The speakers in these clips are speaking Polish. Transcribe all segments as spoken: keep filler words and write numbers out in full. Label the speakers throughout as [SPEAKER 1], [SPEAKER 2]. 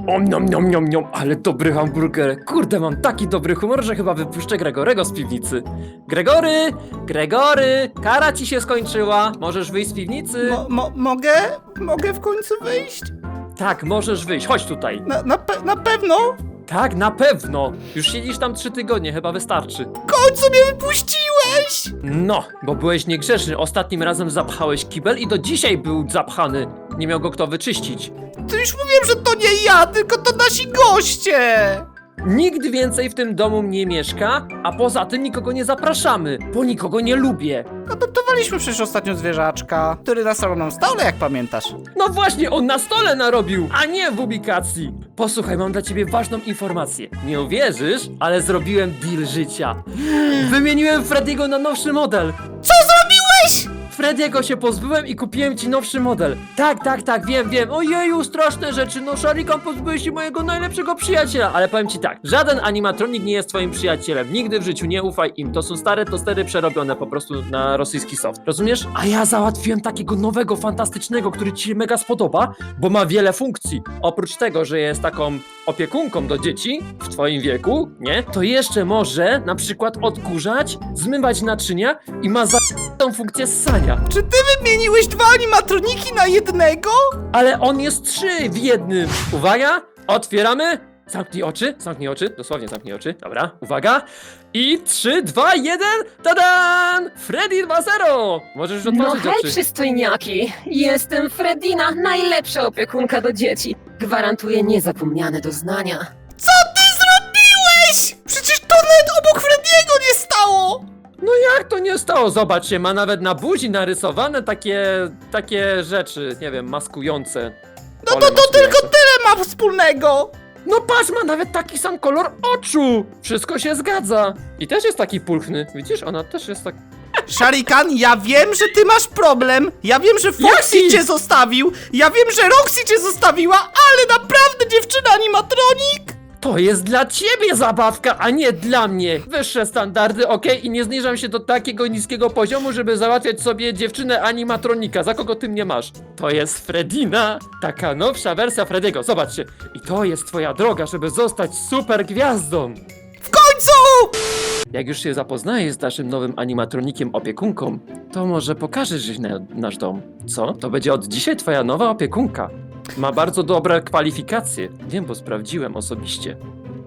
[SPEAKER 1] Om nom nom nom nom, ale dobry hamburger. Kurde, mam taki dobry humor, że chyba wypuszczę Gregorego z piwnicy. Gregory! Gregory! Kara ci się skończyła. Możesz wyjść z piwnicy?
[SPEAKER 2] Mo, mo, mogę? Mogę w końcu wyjść?
[SPEAKER 1] Tak, możesz wyjść. Chodź tutaj.
[SPEAKER 2] Na, na, pe na pewno?
[SPEAKER 1] Tak, na pewno. Już siedzisz tam trzy tygodnie, chyba wystarczy.
[SPEAKER 2] W końcu mnie wypuściłeś!
[SPEAKER 1] No, bo byłeś niegrzeczny. Ostatnim razem zapchałeś kibel i do dzisiaj był zapchany. Nie miał go kto wyczyścić.
[SPEAKER 2] To już mówiłem, że to nie ja, tylko to nasi goście!
[SPEAKER 1] Nikt więcej w tym domu nie mieszka, a poza tym nikogo nie zapraszamy, bo nikogo nie lubię.
[SPEAKER 2] Adoptowaliśmy przecież ostatnio zwierzaczka, który nasrał nam stole, jak pamiętasz.
[SPEAKER 1] No właśnie, on na stole narobił, a nie w ubikacji. Posłuchaj, mam dla ciebie ważną informację. Nie uwierzysz, ale zrobiłem deal życia. Wymieniłem Frediego na nowszy model.
[SPEAKER 2] Co zrobiłeś?
[SPEAKER 1] Frediego się pozbyłem i kupiłem ci nowszy model. Tak, tak, tak, wiem, wiem. Ojeju, straszne rzeczy. No, Sharikan, pozbyłeś się mojego najlepszego przyjaciela. Ale powiem ci tak, żaden animatronik nie jest twoim przyjacielem. Nigdy w życiu nie ufaj im. To są stare tostery przerobione po prostu na rosyjski soft. Rozumiesz? A ja załatwiłem takiego nowego, fantastycznego, który ci się mega spodoba, bo ma wiele funkcji. Oprócz tego, że jest taką opiekunką do dzieci w twoim wieku, nie? To jeszcze może na przykład odkurzać, zmywać naczynia i ma za tą funkcję ssania.
[SPEAKER 2] Czy ty wymieniłeś dwa animatroniki na jednego?
[SPEAKER 1] Ale on jest trzy w jednym. Uwaga, otwieramy. Zamknij oczy, zamknij oczy, dosłownie zamknij oczy. Dobra, uwaga. I trzy, dwa, jeden, tadan! Freddy dwa zero! Możesz już
[SPEAKER 3] No
[SPEAKER 1] otworzyć
[SPEAKER 3] hej,
[SPEAKER 1] oczy.
[SPEAKER 3] przystojniaki! Jestem Fredina, najlepsza opiekunka do dzieci. Gwarantuję niezapomniane doznania.
[SPEAKER 2] Co ty zrobiłeś? Przecież to nawet obok Frediego nie stało!
[SPEAKER 1] No jak to nie stało? Zobaczcie, ma nawet na buzi narysowane takie, takie rzeczy, nie wiem, maskujące.
[SPEAKER 2] No
[SPEAKER 1] Pole
[SPEAKER 2] to, to tylko
[SPEAKER 1] maskujące.
[SPEAKER 2] tyle ma wspólnego!
[SPEAKER 1] No patrz, ma nawet taki sam kolor oczu! Wszystko się zgadza. I też jest taki pulchny. Widzisz, ona też jest tak...
[SPEAKER 2] Sharikan, ja wiem, że ty masz problem. Ja wiem, że Foxy
[SPEAKER 1] Jaki?
[SPEAKER 2] cię zostawił. Ja wiem, że Roxy cię zostawiła, ale naprawdę, dziewczyna animatronik!
[SPEAKER 1] To jest dla ciebie zabawka, a nie dla mnie. Wyższe standardy, okej? I nie zniżam się do takiego niskiego poziomu, żeby załatwiać sobie dziewczynę animatronika. Za kogo ty mnie masz? To jest Fredina. Taka nowsza wersja Frediego. Zobaczcie. I to jest twoja droga, żeby zostać super gwiazdą.
[SPEAKER 2] W końcu!
[SPEAKER 1] Jak już się zapoznajesz z naszym nowym animatronikiem opiekunką, to może pokażesz jej na, nasz dom. Co? To będzie od dzisiaj twoja nowa opiekunka. Ma bardzo dobre kwalifikacje. Wiem, bo sprawdziłem osobiście.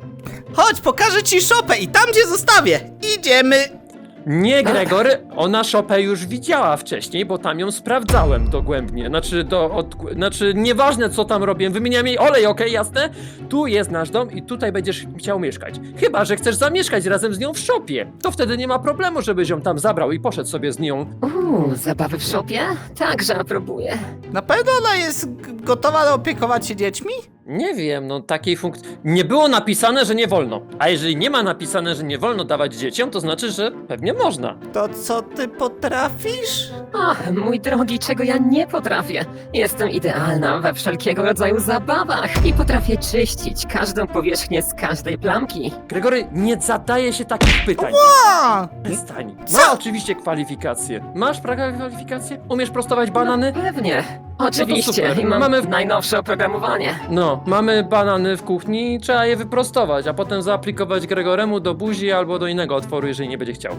[SPEAKER 2] Chodź, pokażę ci szopę i tam cię zostawię. Idziemy.
[SPEAKER 1] Nie, Gregory, ona szopę już widziała wcześniej, bo tam ją sprawdzałem dogłębnie. Znaczy, do, od, znaczy nieważne co tam robię, wymieniam jej olej, okej, jasne? Tu jest nasz dom i tutaj będziesz chciał mieszkać. Chyba że chcesz zamieszkać razem z nią w szopie. To wtedy nie ma problemu, żebyś ją tam zabrał i poszedł sobie z nią.
[SPEAKER 3] Uuu, zabawy w szopie? Także aprobuję.
[SPEAKER 2] Na pewno ona jest g- gotowa opiekować się dziećmi?
[SPEAKER 1] Nie wiem, no takiej funkcji... Nie było napisane, że nie wolno. A jeżeli nie ma napisane, że nie wolno dawać dzieciom, to znaczy, że pewnie można.
[SPEAKER 2] To co ty potrafisz?
[SPEAKER 3] Ach, mój drogi, czego ja nie potrafię. Jestem idealna we wszelkiego rodzaju zabawach i potrafię czyścić każdą powierzchnię z każdej plamki.
[SPEAKER 1] Gregory, nie zadaje się takich pytań.
[SPEAKER 2] A,
[SPEAKER 1] Przestań.
[SPEAKER 2] Co?
[SPEAKER 1] Ma oczywiście kwalifikacje. Masz pra- kwalifikacje? Umiesz prostować banany?
[SPEAKER 3] No, pewnie. Oczywiście.
[SPEAKER 1] super.
[SPEAKER 3] I mam
[SPEAKER 1] Mamy w-
[SPEAKER 3] najnowsze oprogramowanie.
[SPEAKER 1] No, mamy banany w kuchni, trzeba je wyprostować, a potem zaaplikować Gregoremu do buzi albo do innego otworu, jeżeli nie będzie chciał.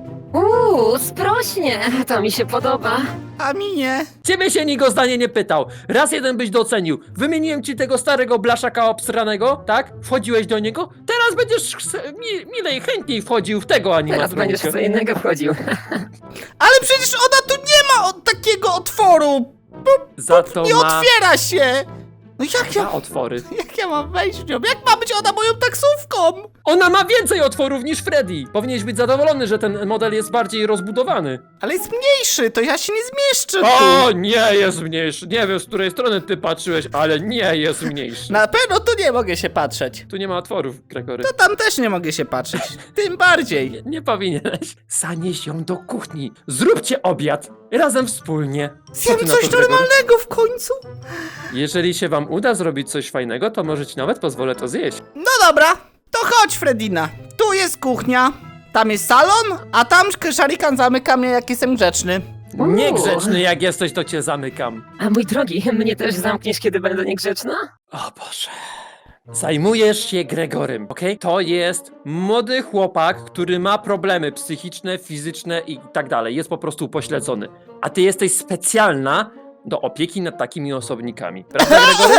[SPEAKER 3] Uuu, sprośnie. To mi się podoba.
[SPEAKER 2] a mi nie.
[SPEAKER 1] Ciebie się nikt o zdanie nie pytał. Raz jeden byś docenił. Wymieniłem ci tego starego blaszaka obsranego, tak? Wchodziłeś do niego? Teraz będziesz chce- mi, milej, chętniej wchodził w tego
[SPEAKER 3] Teraz
[SPEAKER 1] animatronika.
[SPEAKER 3] będziesz w co innego wchodził.
[SPEAKER 2] Ale przecież ona tu nie ma od takiego otworu.
[SPEAKER 1] Za to
[SPEAKER 2] Nie
[SPEAKER 1] ma
[SPEAKER 2] otwiera się. No jak
[SPEAKER 1] dwa
[SPEAKER 2] ja,
[SPEAKER 1] otwory.
[SPEAKER 2] jak ja mam wejść w nią? Jak ma być ona moją taksówką?
[SPEAKER 1] Ona ma więcej otworów niż Freddy. Powinieneś być zadowolony, że ten model jest bardziej rozbudowany.
[SPEAKER 2] Ale jest mniejszy, to ja się nie zmieszczę
[SPEAKER 1] O,
[SPEAKER 2] tu.
[SPEAKER 1] nie jest mniejszy. Nie wiem, z której strony ty patrzyłeś, ale nie jest mniejszy.
[SPEAKER 2] Na pewno tu nie mogę się patrzeć.
[SPEAKER 1] Tu nie ma otworów, Gregory.
[SPEAKER 2] To tam też nie mogę się patrzeć. Tym bardziej.
[SPEAKER 1] Nie, nie powinieneś. Zanieś ją do kuchni. Zróbcie obiad. Razem wspólnie. Co
[SPEAKER 2] Zjem
[SPEAKER 1] ty na
[SPEAKER 2] coś
[SPEAKER 1] to, Gregory?
[SPEAKER 2] normalnego w końcu.
[SPEAKER 1] Jeżeli się wam uda zrobić coś fajnego, to może ci nawet pozwolę to zjeść.
[SPEAKER 2] No dobra, to chodź Fredina. Tu jest kuchnia, tam jest salon, a tam Sharikan zamyka mnie jak jestem grzeczny.
[SPEAKER 3] Uuu.
[SPEAKER 1] Niegrzeczny jak jesteś, to cię zamykam.
[SPEAKER 3] A mój drogi, mnie też zamkniesz, kiedy będę niegrzeczna?
[SPEAKER 1] O Boże. Zajmujesz się Gregorym, okej? To jest młody chłopak, który ma problemy psychiczne, fizyczne i tak dalej. Jest po prostu upośledzony. A ty jesteś specjalna do opieki nad takimi osobnikami. Prawda, Gregory?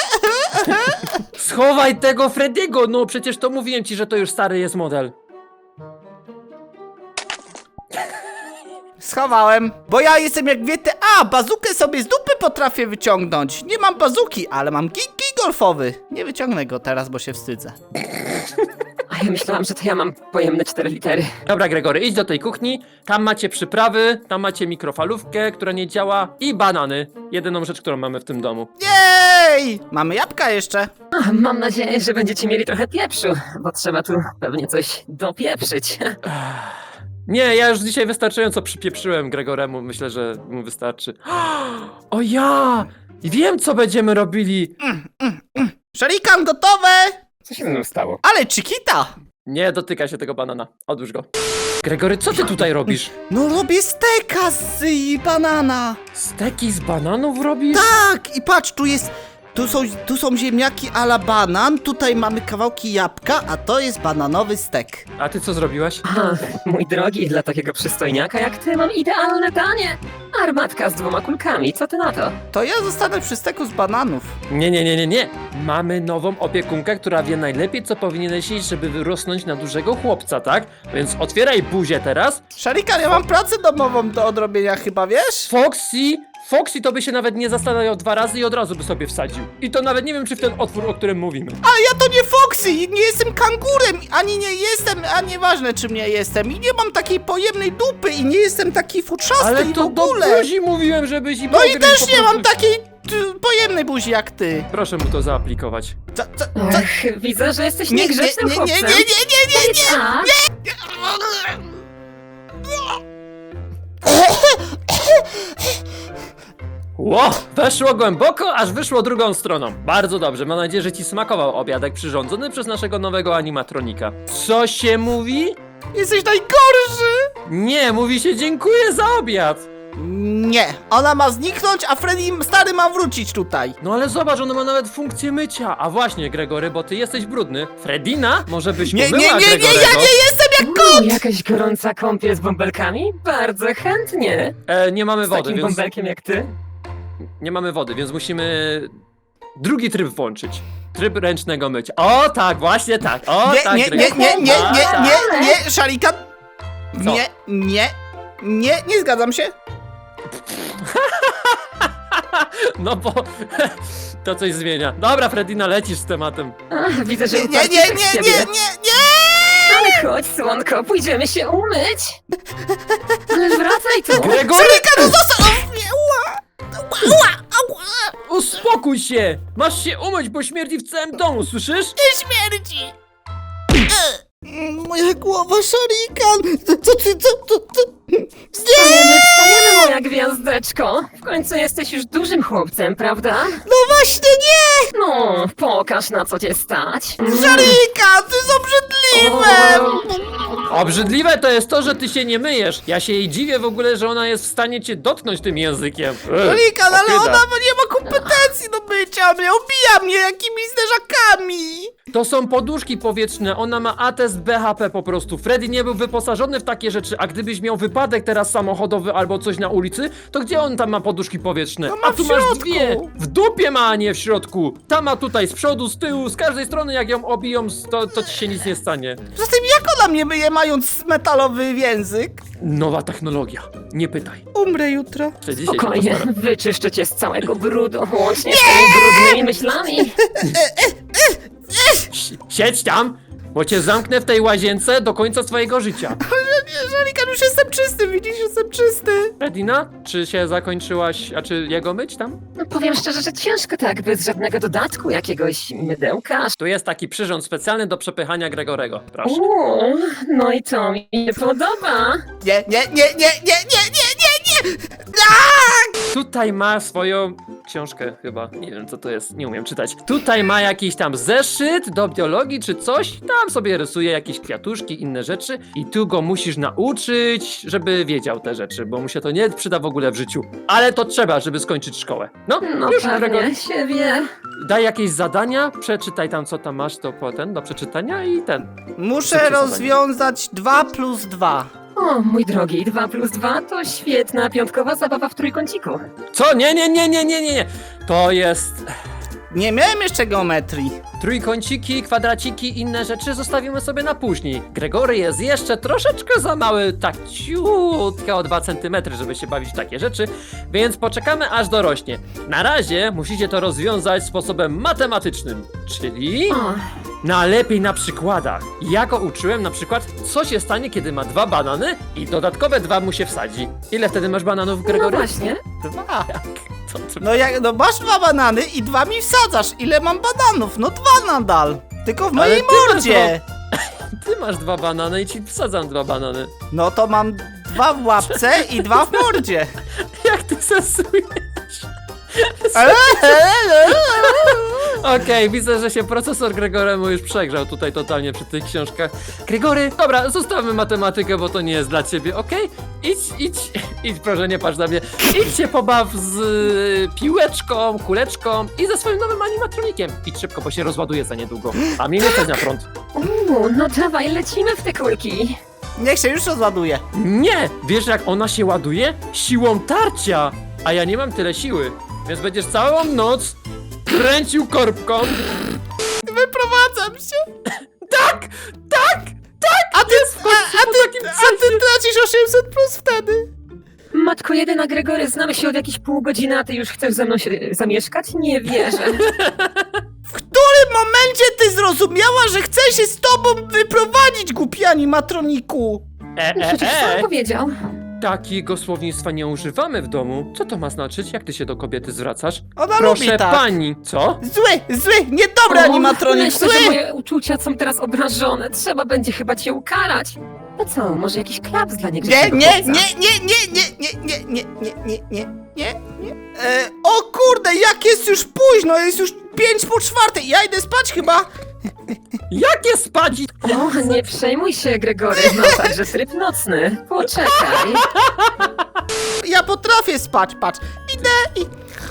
[SPEAKER 1] Schowaj tego Frediego, no przecież to mówiłem ci, że to już stary jest model.
[SPEAKER 2] Schowałem, bo ja jestem jak wiecie, a bazukę sobie z dupy potrafię wyciągnąć. Nie mam bazuki, ale mam kij golfowy. Nie wyciągnę go teraz, bo się wstydzę.
[SPEAKER 3] A ja myślałam, że to ja mam pojemne cztery litery.
[SPEAKER 1] Dobra, Gregory, idź do tej kuchni, tam macie przyprawy, tam macie mikrofalówkę, która nie działa i banany. Jedyną rzecz, którą mamy w tym domu.
[SPEAKER 2] Jej! Mamy jabłka jeszcze.
[SPEAKER 3] Ach, mam nadzieję, że będziecie mieli trochę pieprzu, bo trzeba tu pewnie coś dopieprzyć.
[SPEAKER 1] Nie, ja już dzisiaj wystarczająco przypieprzyłem Gregoremu, myślę, że mu wystarczy. O ja! Wiem, co będziemy robili!
[SPEAKER 2] Szarikan gotowe!
[SPEAKER 3] Co się ze mną stało?
[SPEAKER 2] Ale Chiquita!
[SPEAKER 1] Nie dotyka się tego banana, odłóż go. Gregory, co ty tutaj robisz?
[SPEAKER 2] No robię steka z y, banana.
[SPEAKER 1] Steki z bananów robisz?
[SPEAKER 2] Tak, i patrz, tu jest... Tu są, tu są ziemniaki a la banan, tutaj mamy kawałki jabłka, a to jest bananowy stek.
[SPEAKER 1] A ty co zrobiłaś?
[SPEAKER 3] Ach, mój drogi, dla takiego przystojniaka jak ty mam idealne danie. Armatka z dwoma kulkami, co ty na to?
[SPEAKER 2] To ja zostanę przy steku z bananów.
[SPEAKER 1] Nie, nie, nie, nie, nie. Mamy nową opiekunkę, która wie najlepiej, co powinieneś jeść, żeby wyrosnąć na dużego chłopca, tak? Więc otwieraj buzię teraz.
[SPEAKER 2] Szarikan, ja mam pracę domową do odrobienia chyba, wiesz?
[SPEAKER 1] Foxy, Foxy to by się nawet nie zastanawiał dwa razy i od razu by sobie wsadził. I to nawet nie wiem, czy w ten otwór, o którym mówimy.
[SPEAKER 2] A ja to nie Foxy, nie jestem kangurem, ani nie jestem, a nieważne czym nie jestem. I nie mam takiej pojemnej dupy i nie jestem taki futrzasty
[SPEAKER 1] Ale
[SPEAKER 2] i w
[SPEAKER 1] to do
[SPEAKER 2] ogóle.
[SPEAKER 1] buzi mówiłem, żebyś i
[SPEAKER 2] No i
[SPEAKER 1] pogryź
[SPEAKER 2] też
[SPEAKER 1] po
[SPEAKER 2] nie mam
[SPEAKER 1] prostu.
[SPEAKER 2] takiej y, pojemnej buzi jak ty.
[SPEAKER 1] Proszę mu to zaaplikować.
[SPEAKER 2] Co, co, co?
[SPEAKER 3] Ach, widzę, że jesteś
[SPEAKER 2] Nie, nie,
[SPEAKER 3] niegrzecznym
[SPEAKER 2] nie, nie, nie,
[SPEAKER 3] chłopcem.
[SPEAKER 2] nie, nie, nie, nie.
[SPEAKER 3] Tak?
[SPEAKER 1] Ło! Weszło głęboko, aż wyszło drugą stroną. Bardzo dobrze, mam nadzieję, że ci smakował obiadek przyrządzony przez naszego nowego animatronika. Co się mówi?
[SPEAKER 2] Jesteś najgorszy.
[SPEAKER 1] Nie, mówi się dziękuję za obiad.
[SPEAKER 2] Nie, ona ma zniknąć, a Freddy stary ma wrócić tutaj.
[SPEAKER 1] No ale zobacz, ona ma nawet funkcję mycia. A właśnie, Gregory, bo ty jesteś brudny. Fredina, może byś
[SPEAKER 2] Nie, nie,
[SPEAKER 1] pomyła
[SPEAKER 2] nie, nie,
[SPEAKER 1] Gregorego?
[SPEAKER 2] ja nie jestem jak
[SPEAKER 3] Uuu, jakaś gorąca kąpiel z bąbelkami? Bardzo chętnie.
[SPEAKER 1] E, nie mamy
[SPEAKER 3] Z
[SPEAKER 1] wody,
[SPEAKER 3] takim
[SPEAKER 1] więc...
[SPEAKER 3] bąbelkiem jak ty?
[SPEAKER 1] Nie mamy wody, więc musimy drugi tryb włączyć. Tryb ręcznego mycia. O tak, właśnie tak. O
[SPEAKER 2] Nie,
[SPEAKER 1] tak,
[SPEAKER 2] nie, nie,
[SPEAKER 1] Gregory.
[SPEAKER 2] nie, nie,
[SPEAKER 1] A,
[SPEAKER 2] nie,
[SPEAKER 1] tak.
[SPEAKER 2] nie, nie, Szarikan.
[SPEAKER 1] Co?
[SPEAKER 2] Nie, nie, nie, nie zgadzam się.
[SPEAKER 1] No bo to coś zmienia. Dobra, Fredina, lecisz z tematem.
[SPEAKER 3] Ach, widzę, że
[SPEAKER 2] Nie, nie,
[SPEAKER 3] uparcie
[SPEAKER 2] nie,
[SPEAKER 3] tak z
[SPEAKER 2] nie,
[SPEAKER 3] ciebie.
[SPEAKER 2] nie, nie, nie.
[SPEAKER 3] Ale chodź, słonko, pójdziemy się umyć. Ale wracaj tu.
[SPEAKER 1] Gregory,
[SPEAKER 2] Szarikan, no zostaw mnie, ła, ła, ła,
[SPEAKER 1] uspokój się! Masz się umyć, bo śmierdzi w całym domu, słyszysz?
[SPEAKER 2] nie śmierdzi. E, Moja głowa, Szarikan. Co ty, co, co, co?
[SPEAKER 3] Wstajemy, wstajemy, moja gwiazdeczko. W końcu jesteś już dużym chłopcem, prawda?
[SPEAKER 2] No właśnie nie.
[SPEAKER 3] No, pokaż na co cię stać.
[SPEAKER 2] Szarikan, ty jest obrzydliwe.
[SPEAKER 1] Obrzydliwe to jest to, że ty się nie myjesz. Ja się jej dziwię w ogóle, że ona jest w stanie cię dotknąć tym językiem. Ech,
[SPEAKER 2] Szarikan, ale
[SPEAKER 1] ohyda.
[SPEAKER 2] ona nie ma kompetencji do bycia mnie, obija mnie jakimiś zderzakami.
[SPEAKER 1] To są poduszki powietrzne, ona ma atest B H P po prostu. Freddy nie był wyposażony w takie rzeczy, a gdybyś miał wypadek teraz samochodowy albo coś na ulicy, to gdzie on tam ma poduszki powietrzne?
[SPEAKER 2] No ma
[SPEAKER 1] a tu
[SPEAKER 2] w
[SPEAKER 1] masz
[SPEAKER 2] środku.
[SPEAKER 1] dwie! W dupie ma, a nie w środku! Ta ma tutaj z przodu, z tyłu, z każdej strony, jak ją obiją, to, to ci się nic nie stanie.
[SPEAKER 2] Poza tym jak ona mnie myje, mając metalowy język?
[SPEAKER 1] Nowa technologia, nie pytaj.
[SPEAKER 2] Umrę jutro.
[SPEAKER 1] Jeszcze dzisiaj się
[SPEAKER 3] Spokojnie,
[SPEAKER 1] postaram.
[SPEAKER 3] wyczyszczę cię z całego brudu, łącznie z tymi brudnymi myślami.
[SPEAKER 1] Si- Siedź tam, bo cię zamknę w tej łazience do końca swojego życia.
[SPEAKER 2] Nie, Szarikan, już jestem czysty, widzisz, jestem czysty.
[SPEAKER 1] Fredina, czy się zakończyłaś, a czy jego myć tam?
[SPEAKER 3] No powiem szczerze, że ciężko tak, bez żadnego dodatku, jakiegoś mydełka.
[SPEAKER 1] Tu jest taki przyrząd specjalny do przepychania Gregorego, proszę.
[SPEAKER 3] Uuu, no i to mi się podoba.
[SPEAKER 2] Nie, nie, nie, nie, nie, nie, nie, nie, nie. Aaaa!
[SPEAKER 1] Tutaj ma swoją książkę chyba. Nie wiem, co to jest, nie umiem czytać. Tutaj ma jakiś tam zeszyt do biologii czy coś. Tam sobie rysuje jakieś kwiatuszki, inne rzeczy. I tu go musisz nauczyć, żeby wiedział te rzeczy, bo mu się to nie przyda w ogóle w życiu. Ale to trzeba, żeby skończyć szkołę. No,
[SPEAKER 3] No
[SPEAKER 1] już
[SPEAKER 3] pewnie
[SPEAKER 1] Gregor,
[SPEAKER 3] się wie.
[SPEAKER 1] daj jakieś zadania, przeczytaj tam, co tam masz, to potem do przeczytania i ten.
[SPEAKER 2] Muszę
[SPEAKER 1] Szybkie zadanie.
[SPEAKER 2] rozwiązać dwa plus dwa.
[SPEAKER 3] O, mój drogi, dwa plus dwa to świetna piątkowa zabawa w trójkąciku.
[SPEAKER 1] Co? Nie, nie, nie, nie, nie, nie, nie. To jest...
[SPEAKER 2] Nie miałem jeszcze geometrii.
[SPEAKER 1] Trójkąciki, kwadraciki, inne rzeczy zostawimy sobie na później. Gregory jest jeszcze troszeczkę za mały, tak ciutkę o dwa centymetry, żeby się bawić w takie rzeczy, więc poczekamy aż dorośnie. Na razie musicie to rozwiązać sposobem matematycznym, czyli
[SPEAKER 3] O,
[SPEAKER 1] najlepiej na przykładach. Ja go uczyłem na przykład, co się stanie, kiedy ma dwa banany i dodatkowe dwa mu się wsadzi. Ile wtedy masz bananów,
[SPEAKER 3] no
[SPEAKER 1] Gregory?
[SPEAKER 3] właśnie.
[SPEAKER 2] Dwa.
[SPEAKER 1] Co ty...
[SPEAKER 2] No jak, no masz dwa banany i dwa mi wsadzasz. Ile mam bananów? No dwa nadal. Tylko w
[SPEAKER 1] Ale
[SPEAKER 2] mojej
[SPEAKER 1] ty masz
[SPEAKER 2] mordzie.
[SPEAKER 1] Ty masz dwa banany i ci wsadzam dwa banany.
[SPEAKER 2] No to mam dwa w łapce i dwa w mordzie.
[SPEAKER 1] Jak ty sensujesz?
[SPEAKER 2] Ale-
[SPEAKER 1] Okej, widzę, że się procesor Gregoremu już przegrzał tutaj totalnie przy tych książkach. Gregory, dobra, zostawmy matematykę, bo to nie jest dla ciebie, okej? Idź, idź, idź, proszę, nie patrz na mnie. Idź się pobaw z y, piłeczką, kuleczką i ze swoim nowym animatronikiem. Idź szybko, bo się rozładuje za niedługo. A mnie nie stać na front.
[SPEAKER 3] Uuu, no dawaj, lecimy w te kulki.
[SPEAKER 2] Niech się już rozładuje.
[SPEAKER 1] Nie! Wiesz, jak ona się ładuje? Siłą tarcia! A ja nie mam tyle siły, więc będziesz całą noc kręcił korbką.
[SPEAKER 2] Wyprowadzam się.
[SPEAKER 1] Tak! Tak! Tak!
[SPEAKER 2] A ty, a, a ty, a ty tracisz osiemset plus wtedy.
[SPEAKER 3] Matko jedyna, Gregory, znamy się od jakichś pół godziny, a ty już chcesz ze mną się zamieszkać? Nie wierzę.
[SPEAKER 2] W którym momencie ty zrozumiała, że chcę się z tobą wyprowadzić, głupi animatroniku?
[SPEAKER 1] E, e,
[SPEAKER 3] Przecież sam
[SPEAKER 1] e!
[SPEAKER 3] powiedział.
[SPEAKER 1] Takiego słownictwa nie używamy w domu. Co to ma znaczyć? Jak ty się do kobiety zwracasz?
[SPEAKER 2] Ona
[SPEAKER 1] Proszę
[SPEAKER 2] lubi tak.
[SPEAKER 1] pani, co?
[SPEAKER 2] Zły, zły, niedobry
[SPEAKER 3] O,
[SPEAKER 2] animatronik,
[SPEAKER 3] myślę,
[SPEAKER 2] zły!
[SPEAKER 3] że moje uczucia są teraz obrażone. Trzeba będzie chyba cię ukarać. No co, może jakiś klaps dla niego?
[SPEAKER 2] Nie, nie, nie, nie, nie, nie, nie, nie, nie, nie, nie, nie, nie, nie. E, o kurde, jak jest już późno, jest już pięć po czwartej, ja idę spać chyba.
[SPEAKER 1] Jakie spać?
[SPEAKER 3] O, nie przejmuj się, Gregory, no także tryb nocny. Poczekaj.
[SPEAKER 2] Ja potrafię spać, patrz, idę i...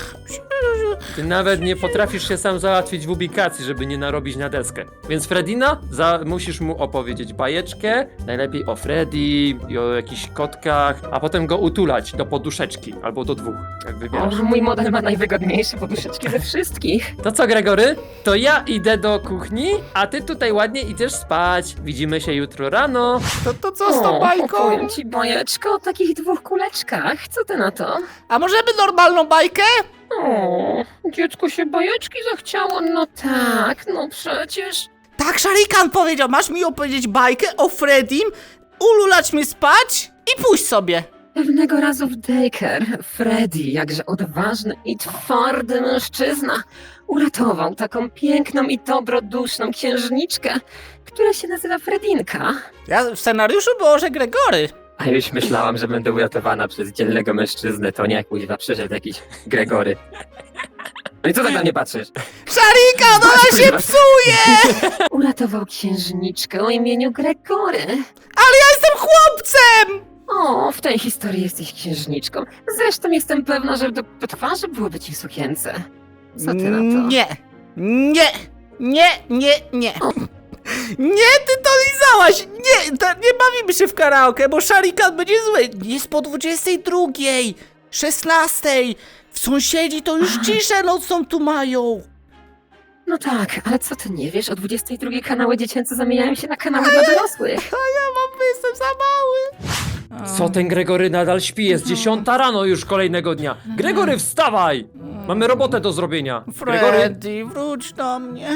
[SPEAKER 1] Ty nawet nie potrafisz się sam załatwić w ubikacji, żeby nie narobić na deskę. Więc Fredina, za, musisz mu opowiedzieć bajeczkę, najlepiej o Freddy i o jakichś kotkach, a potem go utulać do poduszeczki, albo do dwóch, jak
[SPEAKER 3] O,
[SPEAKER 1] wybierasz.
[SPEAKER 3] mój model ma najwygodniejsze poduszeczki ze wszystkich.
[SPEAKER 1] To co, Gregory? To ja idę do kuchni, a ty tutaj ładnie idziesz spać. Widzimy się jutro rano.
[SPEAKER 2] To, to co z tą
[SPEAKER 3] O,
[SPEAKER 2] bajką?
[SPEAKER 3] opowiem ci bajeczkę o takich dwóch kuleczkach. Co ty na to?
[SPEAKER 2] A możemy normalną bajkę?
[SPEAKER 3] O, dziecko się bajeczki zachciało. No tak, no przecież.
[SPEAKER 2] Tak, Sharikan powiedział, masz mi opowiedzieć bajkę o Freddym, ululać mnie spać i pójść sobie.
[SPEAKER 3] Pewnego razu w daycare Freddy, jakże odważny i twardy mężczyzna, uratował taką piękną i dobroduszną księżniczkę, która się nazywa Fredinka.
[SPEAKER 2] Ja w scenariuszu było, że Gregory.
[SPEAKER 3] A już myślałam, że będę uratowana przez dzielnego mężczyznę, to nie, kuźwa, przyszedł jakiś Gregory. No i co tak na mnie patrzysz?
[SPEAKER 2] Sharikan, ona się psuje!
[SPEAKER 3] Uratował księżniczkę o imieniu Gregory.
[SPEAKER 2] Ale ja jestem chłopcem!
[SPEAKER 3] O, w tej historii jesteś księżniczką. Zresztą jestem pewna, że do, do twarzy byłoby ci w sukience. Co ty na to?
[SPEAKER 2] Nie, nie, nie, nie, nie. Nie, ty to lizałaś! Nie, to nie bawimy się w karaoke, bo Sharikan będzie zły. Jest po dwudziestej drugiej, szesnastej. W sąsiedzi to już ciszę nocą tu mają.
[SPEAKER 3] No tak, ale co ty nie wiesz? O dwudziestej drugiej kanały dziecięce zamieniają się na kanały dla dorosłych.
[SPEAKER 2] A ja mam, jestem za mały.
[SPEAKER 1] Co ten Gregory nadal śpi? Jest dziesiąta rano już kolejnego dnia. Gregory, wstawaj! Mamy robotę do zrobienia. Gregory,
[SPEAKER 2] Freddy, wróć do mnie.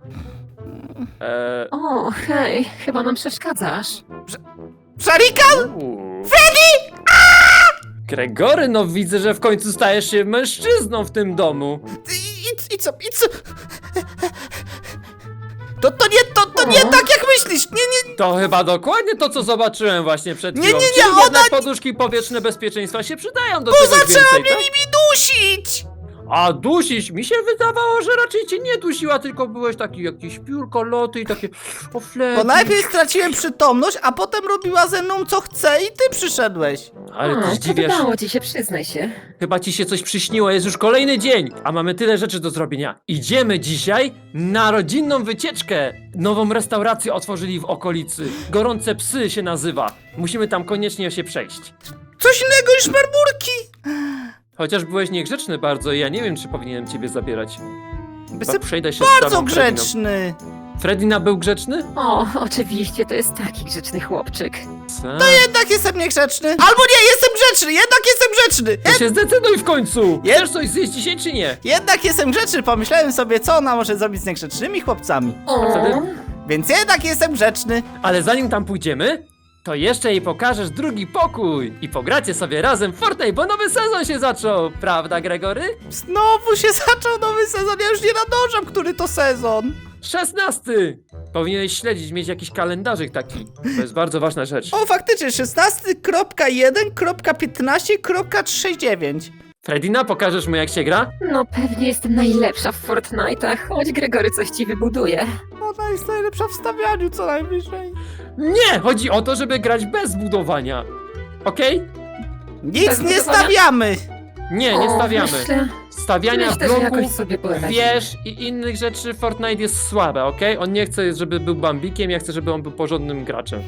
[SPEAKER 1] e,
[SPEAKER 3] O, hej, chyba nam przeszkadzasz.
[SPEAKER 2] Sharikan!
[SPEAKER 1] Freddy! Gregory, no widzę, że w końcu stajesz się mężczyzną w tym domu.
[SPEAKER 2] I, i, i co, i co? To, to nie, to, to nie
[SPEAKER 3] O.
[SPEAKER 2] tak jak myślisz. Nie, nie,
[SPEAKER 1] To chyba dokładnie to, co zobaczyłem właśnie przed
[SPEAKER 2] Nie,
[SPEAKER 1] chwilą.
[SPEAKER 2] nie, nie,
[SPEAKER 1] Czyli
[SPEAKER 2] ona
[SPEAKER 1] jednak
[SPEAKER 2] nie-
[SPEAKER 1] poduszki powietrzne bezpieczeństwa się przydają do
[SPEAKER 2] bo
[SPEAKER 1] czegoś
[SPEAKER 2] zaczęła
[SPEAKER 1] więcej,
[SPEAKER 2] mnie
[SPEAKER 1] tak?
[SPEAKER 2] nimi dusić.
[SPEAKER 1] A dusić? Mi się wydawało, że raczej cię nie dusiła, tylko byłeś taki jakiś piórko, loty i takie... O, Freddy.
[SPEAKER 2] Bo najpierw straciłem przytomność, a potem robiła ze mną co chce i ty przyszedłeś.
[SPEAKER 1] Ale ty
[SPEAKER 3] O,
[SPEAKER 1] zdziwiasz.
[SPEAKER 3] podobało ci się, przyznaj się.
[SPEAKER 1] Chyba ci się coś przyśniło, jest już kolejny dzień, a mamy tyle rzeczy do zrobienia. Idziemy dzisiaj na rodzinną wycieczkę. Nową restaurację otworzyli w okolicy. Gorące Psy się nazywa. Musimy tam koniecznie się przejść.
[SPEAKER 2] Coś innego niż marmurki.
[SPEAKER 1] Chociaż byłeś niegrzeczny bardzo i ja nie wiem, czy powinienem ciebie zabierać.
[SPEAKER 2] Jestem
[SPEAKER 1] Przejdę się z
[SPEAKER 2] bardzo
[SPEAKER 1] tobą, Frediną.
[SPEAKER 2] grzeczny.
[SPEAKER 1] Fredina był grzeczny?
[SPEAKER 3] O, oczywiście, to jest taki grzeczny chłopczyk.
[SPEAKER 1] Co?
[SPEAKER 2] Jednak jestem niegrzeczny. Albo nie, jestem grzeczny, jednak jestem grzeczny.
[SPEAKER 1] To się zdecyduj w końcu!
[SPEAKER 2] Je-
[SPEAKER 1] Chcesz coś zjeść dzisiaj, czy nie?
[SPEAKER 2] Jednak jestem grzeczny, pomyślałem sobie, co ona może zrobić z niegrzecznymi chłopcami.
[SPEAKER 3] O,
[SPEAKER 1] wtedy?
[SPEAKER 2] Więc jednak jestem grzeczny.
[SPEAKER 1] Ale zanim tam pójdziemy, to jeszcze jej pokażesz drugi pokój i pogracie sobie razem w Fortnite, bo nowy sezon się zaczął, prawda, Gregory?
[SPEAKER 2] Znowu się zaczął nowy sezon, ja już nie nadążam, który to sezon.
[SPEAKER 1] szesnasty! Powinieneś śledzić, mieć jakiś kalendarzyk taki. To jest bardzo ważna rzecz.
[SPEAKER 2] O, faktycznie, szesnasty kropka jeden kropka piętnaście kropka trzydzieści dziewięć.
[SPEAKER 1] Fredina, pokażesz mu, jak się gra?
[SPEAKER 3] no pewnie jestem najlepsza w Fortnite'ach, choć Gregory coś ci wybuduje.
[SPEAKER 2] Ona jest najlepsza w stawianiu, co najwyżej.
[SPEAKER 1] Nie! Chodzi o to, żeby grać bez budowania. Okej?
[SPEAKER 2] Nic
[SPEAKER 3] Bez
[SPEAKER 2] nie
[SPEAKER 3] budowania?
[SPEAKER 2] stawiamy.
[SPEAKER 1] Nie, nie
[SPEAKER 3] O,
[SPEAKER 1] stawiamy.
[SPEAKER 3] Myślę,
[SPEAKER 1] Stawiania
[SPEAKER 3] myślę że jakoś
[SPEAKER 1] bloków,
[SPEAKER 3] sobie poradzimy.
[SPEAKER 1] wież i innych rzeczy Fortnite jest słabe, okej? On nie chce, żeby był bambikiem, ja chcę, żeby on był porządnym graczem.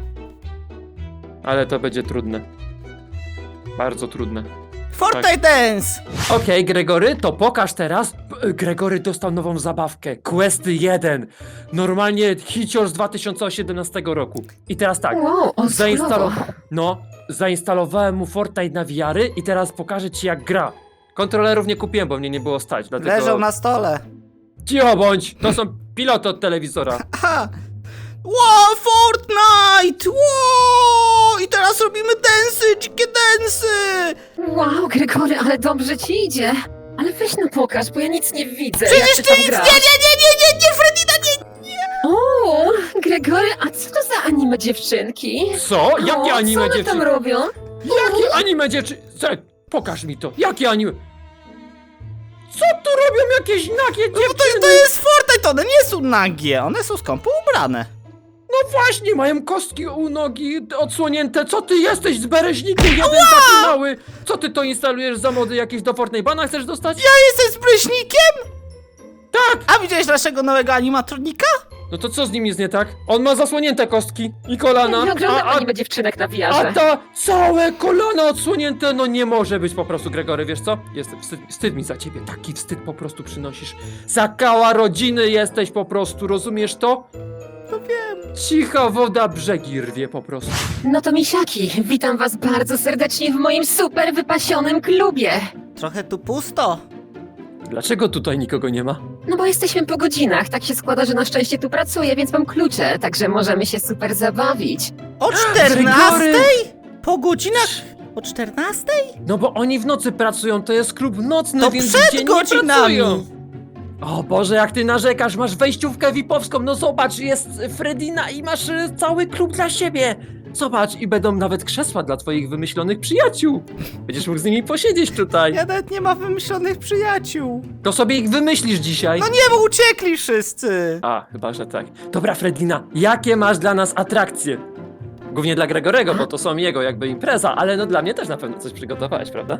[SPEAKER 1] Ale to będzie trudne. Bardzo trudne.
[SPEAKER 2] Fortnite Dance.
[SPEAKER 1] Okej, Gregory, to pokaż teraz. P- Gregory dostał nową zabawkę. Questy jeden. Normalnie hicior z dwa tysiące osiemnastego roku. I teraz tak.
[SPEAKER 3] Wow, o,
[SPEAKER 1] Zainstalo...
[SPEAKER 3] skrótowo.
[SPEAKER 1] No, zainstalowałem mu Fortnite na V R-y i teraz pokażę ci, jak gra. Kontrolerów nie kupiłem, bo mnie nie było stać, dlatego...
[SPEAKER 2] Leżą na stole.
[SPEAKER 1] Cicho bądź! To są piloty od telewizora.
[SPEAKER 2] Aha. Wow, Fortnite! Wow! I teraz robimy densy, dzikie densy!
[SPEAKER 3] Wow, Gregory, ale dobrze ci idzie. Ale weź no pokaż, bo ja nic nie widzę.
[SPEAKER 2] Przecież
[SPEAKER 3] jak
[SPEAKER 2] ty
[SPEAKER 3] tam
[SPEAKER 2] nic... Nie,
[SPEAKER 3] grasz.
[SPEAKER 2] nie, nie, nie, nie, nie, Fredina, nie!
[SPEAKER 3] O, Gregory, a co to za anime dziewczynki?
[SPEAKER 1] Co? Jakie
[SPEAKER 3] o,
[SPEAKER 1] anime
[SPEAKER 3] co one
[SPEAKER 1] dziewczyny?
[SPEAKER 3] tam robią?
[SPEAKER 1] Jakie anime dziewczyny? Pokaż mi to. Jakie anime? Co tu robią jakieś nagie
[SPEAKER 2] No to,
[SPEAKER 1] dziewczyny?
[SPEAKER 2] to jest Fortnite, one nie są nagie, one są skąpo ubrane.
[SPEAKER 1] No właśnie, mają kostki u nogi odsłonięte. Co ty jesteś z bereźnikiem jeden taki mały? Co ty to instalujesz za mody jakieś do Fortnite Bana chcesz dostać?
[SPEAKER 2] Ja jestem z prysznikiem?
[SPEAKER 1] Tak!
[SPEAKER 2] A widziałeś naszego nowego animatronika?
[SPEAKER 1] No to co z nim jest nie tak? On ma zasłonięte kostki i kolana.
[SPEAKER 3] Nie oglądam
[SPEAKER 1] a, a,
[SPEAKER 3] anime dziewczynek na
[SPEAKER 1] a
[SPEAKER 3] wiarze.
[SPEAKER 1] ta całe kolana odsłonięte, no nie może być po prostu, Gregory, wiesz co? Jest wstyd, wstyd mi za ciebie, taki wstyd po prostu przynosisz. Za kała rodziny jesteś po prostu, rozumiesz to?
[SPEAKER 2] No wiem.
[SPEAKER 1] Cicha woda brzegi rwie po prostu.
[SPEAKER 3] No to misiaki, witam was bardzo serdecznie w moim super wypasionym klubie.
[SPEAKER 2] Trochę tu pusto.
[SPEAKER 1] Dlaczego tutaj nikogo nie ma?
[SPEAKER 3] No bo jesteśmy po godzinach, tak się składa, że na szczęście tu pracuję, więc mam klucze, także możemy się super zabawić.
[SPEAKER 2] O czternastej?
[SPEAKER 1] Gregory!
[SPEAKER 2] Po godzinach? O czternastej?
[SPEAKER 1] No bo oni w nocy pracują, to jest klub nocny,
[SPEAKER 2] To
[SPEAKER 1] więc
[SPEAKER 2] przed
[SPEAKER 1] w dzień
[SPEAKER 2] godzinami.
[SPEAKER 1] nie pracują. O Boże, jak ty narzekasz, masz wejściówkę V I P-owską, no zobacz, jest Fredina i masz y, cały klub dla siebie. Zobacz, i będą nawet krzesła dla twoich wymyślonych przyjaciół. Będziesz mógł z nimi posiedzieć tutaj.
[SPEAKER 2] Ja nawet nie mam wymyślonych przyjaciół.
[SPEAKER 1] To sobie ich wymyślisz dzisiaj.
[SPEAKER 2] No nie, bo uciekli wszyscy.
[SPEAKER 1] A, chyba, że tak. Dobra, Fredina, jakie masz dla nas atrakcje? Głównie dla Gregorego, bo to są jego jakby impreza, ale no dla mnie też na pewno coś przygotowałeś, prawda?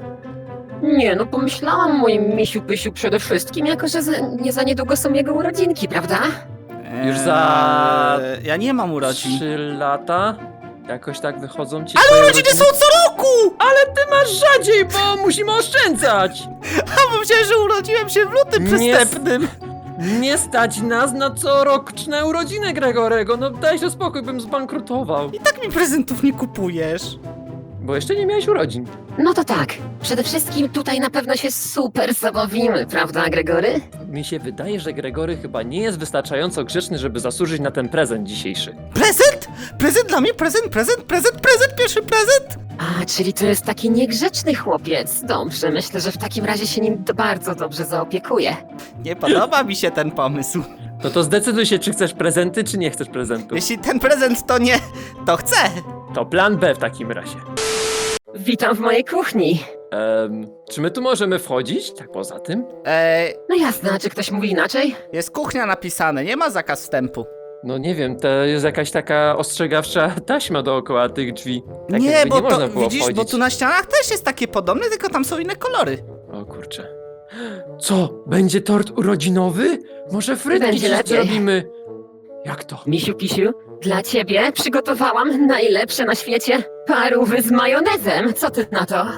[SPEAKER 3] Nie, no pomyślałam o moim misiu pysiu przede wszystkim, jako że za, nie za niedługo są jego urodzinki, prawda?
[SPEAKER 1] Już za-
[SPEAKER 2] Eee, Ja nie mam urodzin.
[SPEAKER 1] Trzy lata? Jakoś tak wychodzą ci
[SPEAKER 2] Ale
[SPEAKER 1] twoje
[SPEAKER 2] urodziny są co roku!
[SPEAKER 1] Ale ty masz rzadziej, bo musimy oszczędzać!
[SPEAKER 2] A bo myślałem, że urodziłem się w lutym
[SPEAKER 1] Nie
[SPEAKER 2] przystępnym.
[SPEAKER 1] Nie stać nas na coroczne urodziny Gregorego, no daj się spokój, bym zbankrutował.
[SPEAKER 2] I tak mi prezentów nie kupujesz.
[SPEAKER 1] Bo jeszcze nie miałeś urodzin.
[SPEAKER 3] No to tak, przede wszystkim tutaj na pewno się super zabawimy, prawda, Gregory?
[SPEAKER 1] Mi się wydaje, że Gregory chyba nie jest wystarczająco grzeczny, żeby zasłużyć na ten prezent dzisiejszy.
[SPEAKER 2] Prezent? Prezent dla mnie? Prezent, prezent, prezent, prezent, pierwszy prezent?
[SPEAKER 3] A, czyli to jest taki niegrzeczny chłopiec. Dobrze, myślę, że w takim razie się nim d- bardzo dobrze zaopiekuję.
[SPEAKER 2] Nie podoba mi się ten pomysł.
[SPEAKER 1] No to zdecyduj się, czy chcesz prezenty, czy nie chcesz prezentu.
[SPEAKER 2] Jeśli ten prezent to nie, to chcę.
[SPEAKER 1] To plan B w takim razie.
[SPEAKER 3] Witam w mojej kuchni.
[SPEAKER 1] Em, czy my tu możemy wchodzić? Tak poza tym?
[SPEAKER 2] Eee,
[SPEAKER 3] No jasne, a czy ktoś mówi inaczej?
[SPEAKER 2] jest kuchnia napisane, nie ma zakaz wstępu.
[SPEAKER 1] No nie wiem, to jest jakaś taka ostrzegawcza taśma dookoła tych drzwi. Tak
[SPEAKER 2] nie,
[SPEAKER 1] jakby
[SPEAKER 2] bo
[SPEAKER 1] nie
[SPEAKER 2] to,
[SPEAKER 1] można było
[SPEAKER 2] widzisz,
[SPEAKER 1] wchodzić.
[SPEAKER 2] bo tu na ścianach też jest takie podobne, tylko tam są inne kolory.
[SPEAKER 1] O kurczę. Co? Będzie tort urodzinowy? Może frytki
[SPEAKER 3] Będzie
[SPEAKER 1] dziś
[SPEAKER 3] lepiej.
[SPEAKER 1] zrobimy? Jak to?
[SPEAKER 3] Misiu Pisiu, dla ciebie przygotowałam najlepsze na świecie parówy z majonezem. Co ty na to?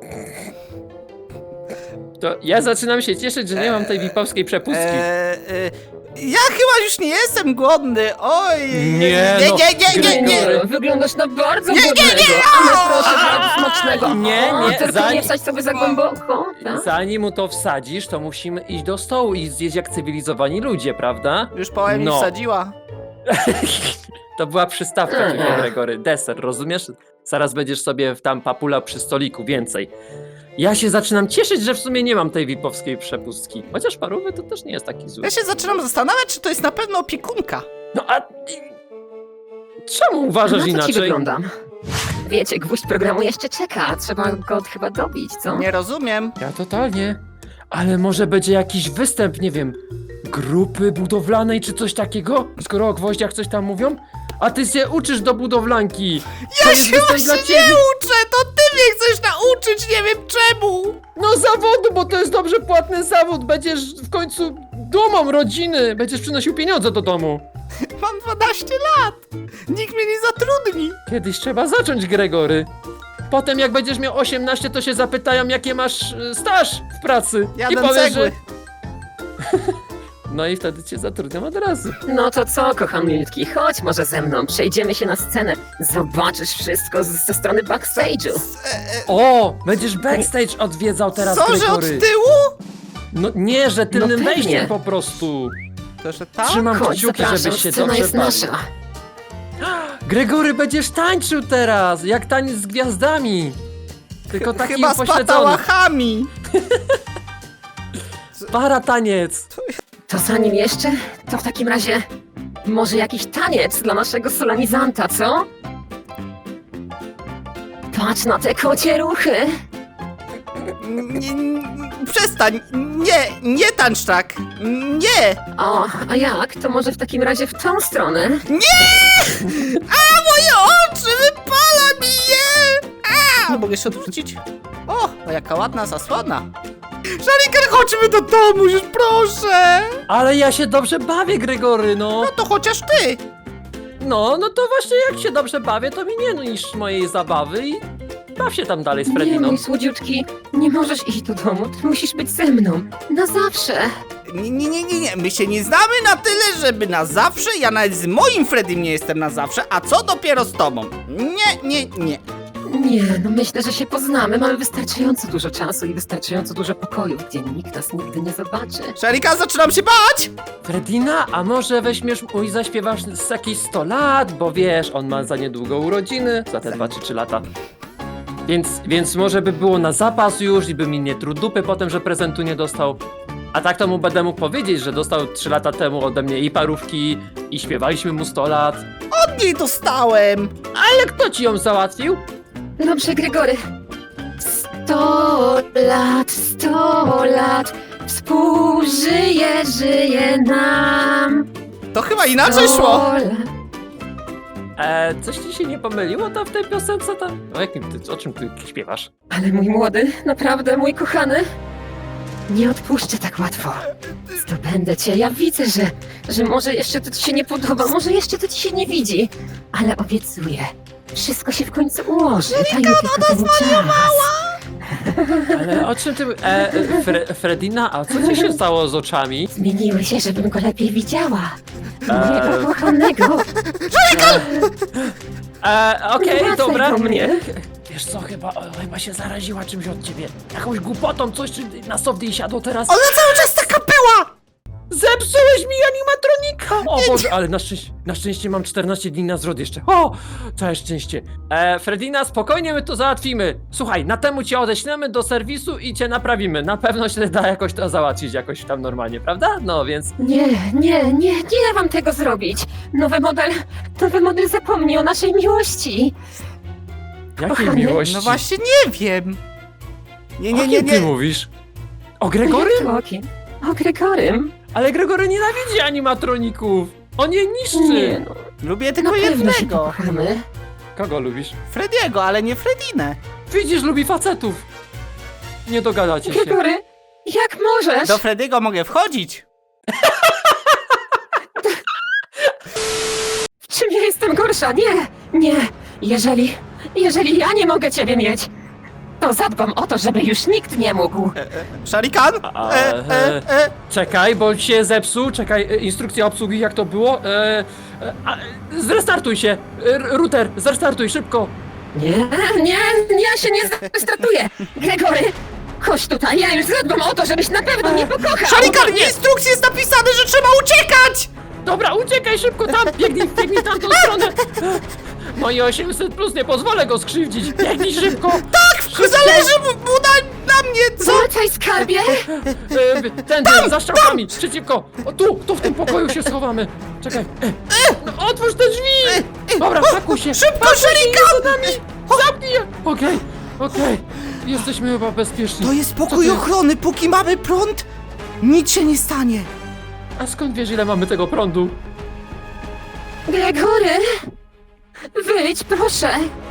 [SPEAKER 1] To ja zaczynam się cieszyć, że nie mam tej wipowskiej przepustki.
[SPEAKER 2] Eee, e, ja chyba już nie jestem głodny, oj.
[SPEAKER 1] Nie,
[SPEAKER 2] nie,
[SPEAKER 1] no,
[SPEAKER 2] nie, nie, nie, nie.
[SPEAKER 3] Gregor, wyglądasz na bardzo
[SPEAKER 2] Nie, nie,
[SPEAKER 3] głodnego,
[SPEAKER 2] nie!
[SPEAKER 3] ale proszę bardzo smacznego.
[SPEAKER 1] Nie,
[SPEAKER 3] O,
[SPEAKER 1] nie,
[SPEAKER 3] tylko
[SPEAKER 1] za-
[SPEAKER 3] nie wsadź sobie za głęboko. Tak?
[SPEAKER 1] Zanim mu to wsadzisz, to musimy iść do stołu i zjeść jak cywilizowani ludzie, prawda?
[SPEAKER 2] Już połem mi
[SPEAKER 1] No.
[SPEAKER 2] wsadziła.
[SPEAKER 1] To była przystawka
[SPEAKER 3] Aha.
[SPEAKER 1] tylko, Gregory. Deser, rozumiesz? Zaraz będziesz sobie tam papula przy stoliku, więcej. Ja się zaczynam cieszyć, że w sumie nie mam tej wipowskiej przepustki. Chociaż parówy to też nie jest taki zły.
[SPEAKER 2] Ja się zaczynam zastanawiać, czy to jest na pewno opiekunka.
[SPEAKER 1] No a... Czemu uważasz
[SPEAKER 3] Na co ci
[SPEAKER 1] inaczej?
[SPEAKER 3] wyglądam? Wiecie, gwóźdź programu jeszcze czeka, trzeba go chyba dobić, co?
[SPEAKER 2] Nie rozumiem.
[SPEAKER 1] Ja totalnie. Ale może będzie jakiś występ, nie wiem, grupy budowlanej czy coś takiego? Skoro o gwoździach coś tam mówią? A ty się uczysz do budowlanki. To
[SPEAKER 2] Ja
[SPEAKER 1] jest
[SPEAKER 2] się
[SPEAKER 1] występ
[SPEAKER 2] właśnie
[SPEAKER 1] dla
[SPEAKER 2] nie
[SPEAKER 1] ciebie.
[SPEAKER 2] uczę, to ty mnie chcesz nauczyć, nie wiem czemu.
[SPEAKER 1] No zawodu, bo to jest dobrze płatny zawód. Będziesz w końcu dumą rodziny. Będziesz przynosił pieniądze do domu.
[SPEAKER 2] Mam dwanaście lat. Nikt mnie nie zatrudni.
[SPEAKER 1] Kiedyś trzeba zacząć, Gregory. Potem jak będziesz miał osiemnaście, to się zapytają, jakie masz y, staż w pracy. I
[SPEAKER 2] Jadę
[SPEAKER 1] powiesz,
[SPEAKER 2] cegły.
[SPEAKER 1] że... No i wtedy cię zatrudniam od razu.
[SPEAKER 3] No to co, kocham milutki, chodź może ze mną, przejdziemy się na scenę, zobaczysz wszystko z, ze strony backstage'u.
[SPEAKER 2] E, e,
[SPEAKER 1] O, będziesz backstage odwiedzał teraz,
[SPEAKER 2] co, że od
[SPEAKER 1] Gregory.
[SPEAKER 2] tyłu?
[SPEAKER 1] No nie, że tylnym
[SPEAKER 3] No pewnie.
[SPEAKER 1] wejściem po prostu.
[SPEAKER 2] To, że tam?
[SPEAKER 1] Trzymam
[SPEAKER 3] Chodź,
[SPEAKER 1] kciuki,
[SPEAKER 3] zapraszam,
[SPEAKER 1] żebyś się
[SPEAKER 3] scena
[SPEAKER 1] dobrze
[SPEAKER 3] jest
[SPEAKER 1] bawił.
[SPEAKER 3] nasza.
[SPEAKER 1] Gregory, będziesz tańczył teraz, jak taniec z gwiazdami. Tylko taki
[SPEAKER 2] Chyba z
[SPEAKER 1] upośledzony.
[SPEAKER 2] patałachami.
[SPEAKER 1] Para taniec.
[SPEAKER 3] To zanim jeszcze, to w takim razie może jakiś taniec dla naszego solenizanta, co? Patrz na te kocie ruchy.
[SPEAKER 2] Nie, nie, przestań, nie, nie tańcz tak. Nie.
[SPEAKER 3] O, a jak? To może w takim razie w tą stronę?
[SPEAKER 2] A, moje oczy, wypala mi je. A, mogę się odwrócić? O, o, jaka ładna zasłona. Szariker, chodźmy do domu już, proszę.
[SPEAKER 1] Ale ja się dobrze bawię, Gregory, no.
[SPEAKER 2] No to chociaż ty.
[SPEAKER 1] No, no to właśnie jak się dobrze bawię, to mi nie niż mojej zabawy i baw się tam dalej z
[SPEAKER 3] Nie,
[SPEAKER 1] Frediną.
[SPEAKER 3] mój słodziutki, nie możesz iść do domu, ty musisz być ze mną. Na zawsze.
[SPEAKER 2] Nie, nie, nie, nie, nie, my się nie znamy na tyle, żeby na zawsze. Ja nawet z moim Freddym nie jestem na zawsze, a co dopiero z tobą? Nie, nie, nie.
[SPEAKER 3] Nie, no myślę, że się poznamy. Mamy wystarczająco dużo czasu i wystarczająco dużo pokoju, gdzie nikt nas nigdy nie zobaczy.
[SPEAKER 2] Szarika, zaczynam się bać!
[SPEAKER 1] Fredina, a może weźmiesz mu i zaśpiewasz z jakieś sto lat, bo wiesz, on ma za niedługo urodziny, za te dwa czy trzy lata. Więc, więc może by było na zapas już i by mi nie truł dupy potem, że prezentu nie dostał. A tak to mu będę mógł powiedzieć, że dostał trzy lata temu ode mnie i parówki, i śpiewaliśmy mu sto lat.
[SPEAKER 2] Od niej dostałem!
[SPEAKER 1] Ale kto ci ją załatwił?
[SPEAKER 3] Dobrze, Gregory. Sto lat, sto lat, współżyje, żyje nam.
[SPEAKER 2] To chyba inaczej szło!
[SPEAKER 3] Sto lat.
[SPEAKER 1] E, coś ci się nie pomyliło tam w tej piosence tam? O jakim ty, o czym ty śpiewasz?
[SPEAKER 3] Ale mój młody, naprawdę mój kochany, nie odpuszczę tak łatwo. Zdobędę cię, ja widzę, że, że może jeszcze to ci się nie podoba, może jeszcze to ci się nie widzi, ale obiecuję, wszystko się w końcu ułoży. Daj mi tylko ten czas.
[SPEAKER 1] Ale o czym ty... E, Fre, Fredina, a co ci się stało z oczami?
[SPEAKER 3] Zmieniły się, żebym go lepiej widziała. Mojego
[SPEAKER 1] Eee.
[SPEAKER 3] kochanego.
[SPEAKER 1] E, Okej,
[SPEAKER 3] Wracaj
[SPEAKER 1] dobra.
[SPEAKER 3] do mnie.
[SPEAKER 1] Wiesz co, chyba, o, chyba się zaraziła czymś od ciebie. Jakąś głupotą, coś czy na soft jej siadło teraz.
[SPEAKER 2] Ona cały czas taka była!
[SPEAKER 1] Zepsułeś mi animatronika! O Boże, ale na szczęście, na szczęście mam czternaście dni na zwrot jeszcze. O, całe szczęście. E, Fredina, spokojnie my to załatwimy. Słuchaj, na temu cię odeślemy do serwisu i cię naprawimy. Na pewno się da jakoś to załatwić jakoś tam normalnie, prawda? No więc...
[SPEAKER 3] Nie, nie, nie, nie da wam tego zrobić. Nowy model, nowy model zapomni o naszej miłości.
[SPEAKER 1] Jakiej
[SPEAKER 3] Kochanie,
[SPEAKER 1] miłości?
[SPEAKER 2] No właśnie nie wiem. Nie,
[SPEAKER 1] O
[SPEAKER 2] nie, nie,
[SPEAKER 1] kim ty
[SPEAKER 2] nie.
[SPEAKER 1] mówisz? O Gregorym?
[SPEAKER 3] Jak to o kim? O Gregorym?
[SPEAKER 1] Ale Gregory nienawidzi animatroników. On je niszczy.
[SPEAKER 3] Nie no,
[SPEAKER 2] Lubię
[SPEAKER 3] na
[SPEAKER 2] tylko
[SPEAKER 3] pewno się
[SPEAKER 2] jednego.
[SPEAKER 3] kochamy.
[SPEAKER 1] Kogo lubisz?
[SPEAKER 2] Frediego, ale nie Fredinę.
[SPEAKER 1] Widzisz, lubi facetów. Nie dogadacie się.
[SPEAKER 3] Gregory, jak możesz?
[SPEAKER 2] Do Frediego mogę wchodzić.
[SPEAKER 3] W czym ja jestem gorsza? Nie, nie. Jeżeli, jeżeli ja nie mogę ciebie mieć, to zadbam o to, żeby już nikt nie mógł.
[SPEAKER 2] Szarikan?
[SPEAKER 1] A,
[SPEAKER 2] E, e, e.
[SPEAKER 1] Czekaj, bo się zepsuł. Czekaj, e, instrukcja obsługi, jak to było? E, e, a, zrestartuj się. E, r- router, zrestartuj szybko.
[SPEAKER 3] Nie, nie, ja się nie zrestartuję. Gregory, chodź tutaj, ja już zadbam o to, żebyś na pewno nie pokochał.
[SPEAKER 2] Szarikan, w instrukcji jest napisane, że trzeba uciekać!
[SPEAKER 1] Dobra, uciekaj szybko tam, biegnij, biegnij w tamtą stronę. Moje osiemset plus, nie pozwolę go skrzywdzić. Biegnij szybko.
[SPEAKER 2] Tak, zależy mu, mu na, na mnie, co?
[SPEAKER 3] Wracaj, skarbie.
[SPEAKER 1] E, tędy, za strzałkami, przeciwko. O, tu, tu w tym pokoju się schowamy. Czekaj. E, no, otwórz te drzwi. Dobra, pakuj się.
[SPEAKER 2] Szybko,
[SPEAKER 1] Pakuj się,
[SPEAKER 2] Szarikan!
[SPEAKER 1] za nami. Zamknij je. Okej, okej. Jesteśmy chyba bezpieczni.
[SPEAKER 2] To jest
[SPEAKER 1] Co
[SPEAKER 2] pokój
[SPEAKER 1] ty?
[SPEAKER 2] ochrony, póki mamy prąd, nic się nie stanie.
[SPEAKER 1] A skąd wiesz, ile mamy tego prądu?
[SPEAKER 3] Gregory, wyjdź, proszę.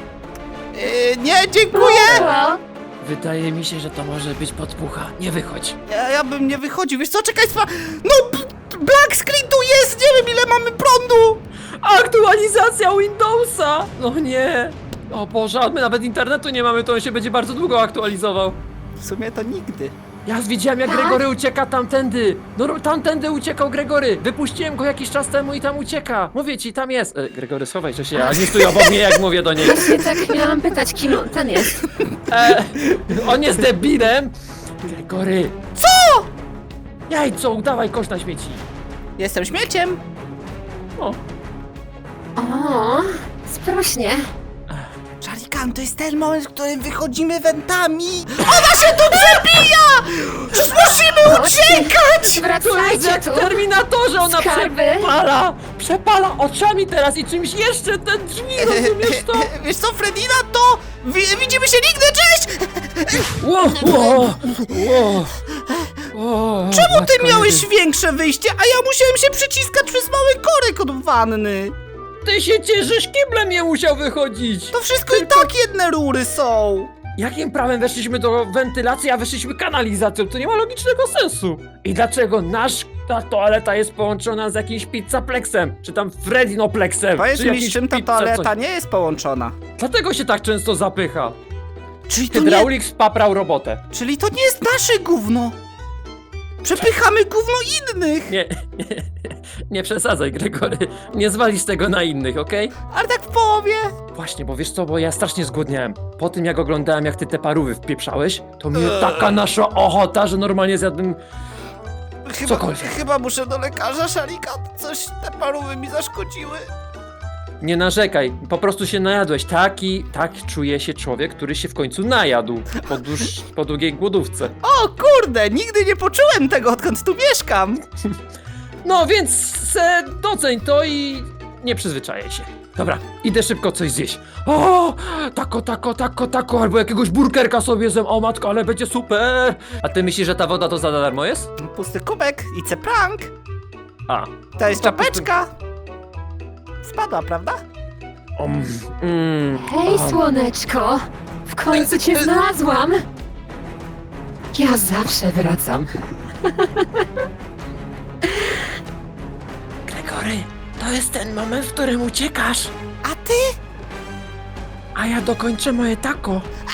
[SPEAKER 2] Yy, nie, dziękuję!
[SPEAKER 3] O,
[SPEAKER 1] Wydaje mi się, że to może być podpucha. Nie wychodź.
[SPEAKER 2] Ja, ja bym nie wychodził, wiesz co, czekaj, spa... No, b- black screen tu jest, nie wiem ile mamy prądu!
[SPEAKER 1] Aktualizacja Windowsa! No nie! O Boże, a my nawet internetu nie mamy, to on się będzie bardzo długo aktualizował.
[SPEAKER 2] W sumie to nigdy.
[SPEAKER 1] Ja widziałem, jak
[SPEAKER 3] Tak?
[SPEAKER 1] Gregory ucieka tamtędy. No ro- tamtędy uciekał Gregory. Wypuściłem go jakiś czas temu i tam ucieka. Mówię ci, tam jest. E, Gregory, schowaj się, a nie stój obok mnie, jak mówię do niej.
[SPEAKER 3] właśnie tak miałam pytać, kim on ten jest.
[SPEAKER 1] E, on jest debilem. Gregory.
[SPEAKER 2] Co?
[SPEAKER 1] Jajco, udawaj kosz na śmieci.
[SPEAKER 2] Jestem śmieciem.
[SPEAKER 1] O,
[SPEAKER 3] O, sprośnie.
[SPEAKER 2] Szarikan, to jest ten moment, w którym wychodzimy wentami. Ona się tu przebija! Przecież musimy uciekać!
[SPEAKER 1] to jest jak
[SPEAKER 3] Wracajcie
[SPEAKER 1] w
[SPEAKER 3] tu.
[SPEAKER 1] Terminatorze, ona
[SPEAKER 3] Skarby.
[SPEAKER 1] przepala. Przepala oczami teraz i czymś jeszcze te drzwi, rozumiesz to?
[SPEAKER 2] Wiesz co, Fredina, to wi widzimy się nigdy, cześć!
[SPEAKER 1] Ło, ło, ło, ło,
[SPEAKER 2] Czemu ty
[SPEAKER 1] matko
[SPEAKER 2] miałeś
[SPEAKER 1] jedyna.
[SPEAKER 2] większe wyjście, a ja musiałem się przyciskać przez mały korek od wanny?
[SPEAKER 1] Ty się cieszysz, kiblem nie musiał wychodzić.
[SPEAKER 2] To wszystko i tak jedne rury są.
[SPEAKER 1] Jakim prawem weszliśmy do wentylacji, a wyszliśmy kanalizacją? To nie ma logicznego sensu. I dlaczego nasz ta toaleta jest połączona z jakimś pizzaplexem? Czy tam Fredinoplexem?
[SPEAKER 2] Powiedz
[SPEAKER 1] czy
[SPEAKER 2] mi,
[SPEAKER 1] jakiś
[SPEAKER 2] z czym ta
[SPEAKER 1] pizza
[SPEAKER 2] toaleta
[SPEAKER 1] coś?
[SPEAKER 2] nie jest połączona?
[SPEAKER 1] Dlatego się tak często zapycha.
[SPEAKER 2] Czyli to nie,
[SPEAKER 1] Hydraulik spaprał robotę.
[SPEAKER 2] czyli to nie jest nasze gówno. Przepychamy gówno innych.
[SPEAKER 1] Nie, nie, nie przesadzaj, Gregory. Nie zwalisz tego na innych, okej?
[SPEAKER 2] Ale tak w połowie.
[SPEAKER 1] Właśnie, bo wiesz co, bo ja strasznie zgłodniałem. Po tym jak oglądałem, jak ty te parówy wpieprzałeś, to mnie
[SPEAKER 2] Eee.
[SPEAKER 1] taka nasza ochota, że normalnie zjadłem...
[SPEAKER 2] Chyba,
[SPEAKER 1] Cokolwiek.
[SPEAKER 2] chyba muszę do lekarza, Szarikan. Coś te parówy mi zaszkodziły.
[SPEAKER 1] Nie narzekaj, po prostu się najadłeś. Taki, tak czuje się człowiek, który się w końcu najadł po, dłuż, po długiej głodówce.
[SPEAKER 2] O kurde, nigdy nie poczułem tego, odkąd tu mieszkam.
[SPEAKER 1] No więc se doceń to i nie przyzwyczajaj się. Dobra, idę szybko coś zjeść. O, tako, tako, tako, tako, albo jakiegoś burgerka sobie zjem. O matko, ale będzie super. A ty myślisz, że ta woda to za darmo jest?
[SPEAKER 2] Pusty kubek i ce prank.
[SPEAKER 1] A.
[SPEAKER 2] To jest
[SPEAKER 1] No to
[SPEAKER 2] czapeczka. Spadła, prawda?
[SPEAKER 1] Um, mm,
[SPEAKER 3] Hej,
[SPEAKER 1] a,
[SPEAKER 3] słoneczko. W końcu cię znalazłam. Ja zawsze wracam.
[SPEAKER 1] Gregory, to jest ten moment, w którym uciekasz.
[SPEAKER 2] A ty?
[SPEAKER 1] A ja dokończę moje tako.